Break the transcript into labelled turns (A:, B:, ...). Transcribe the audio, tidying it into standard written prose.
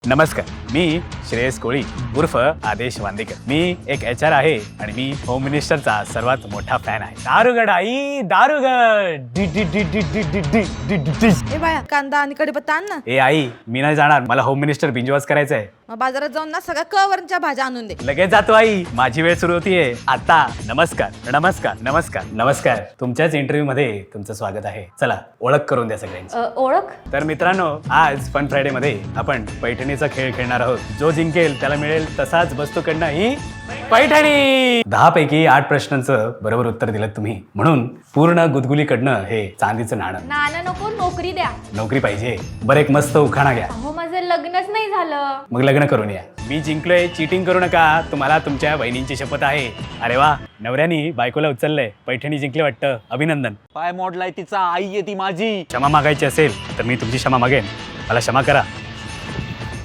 A: नमस्कार, मी श्रेयस कोळी उर्फ आदेश वांदेकर. मी एक HR आहे आणि मी होम मिनिस्टरचा सर्वात मोठा फॅन आहे. दारुगड आई दारुगड डी डी डी डी डी डी डी डी डी डी.
B: ए बाया कांदा आणि कढीपत्ता आण ना.
A: ए आई, मी नाही जाणार. मला होम मिनिस्टर बिंजवास करायचं आहे.
B: मग बाजारात जाऊन ना सगळ्या कवरच्या भाज्या आणून दे.
A: लगेच जातो आई, माझी वेळ सुरू होतीये आता. नमस्कार नमस्कार नमस्कार नमस्कार. तुमच्याच इंटरव्ह्यू मध्ये तुमचं स्वागत आहे. चला ओळख करून द्या सगळ्यांची.
C: ओळख
A: तर मित्रांनो, आज फन फ्रायडे मध्ये आपण पैठणीचा खेळ खेळणार आहोत. जो जिंकेल त्याला मिळेल तसाच वस्तूकडनं ही पैठणी. 10 पैकी 8 प्रश्नांचं बरोबर उत्तर दिलं तुम्ही, म्हणून पूर्ण गुदगुलीकडनं हे चांदीचं नाणं.
C: नाणं नको, नोकरी द्या.
A: नोकरी पाहिजे. बरं, एक मस्त उखाणा घ्या.
C: अहो माझं लग्नच नाही झालं.
A: मग लग्न करून या. मी जिंकलोय, चीटिंग करू नका. तुम्हाला तुमच्या बहिणींची शपथ आहे. अरे वा, नवऱ्यानी बायकोला उचललंय. पैठणी जिंकली वाटतं. अभिनंदन.
D: पाय मोडलाय तिचा, आई आहे ती माझी.
A: क्षमा मागायची असेल तर मी तुमची क्षमा मागेन. मला क्षमा करा.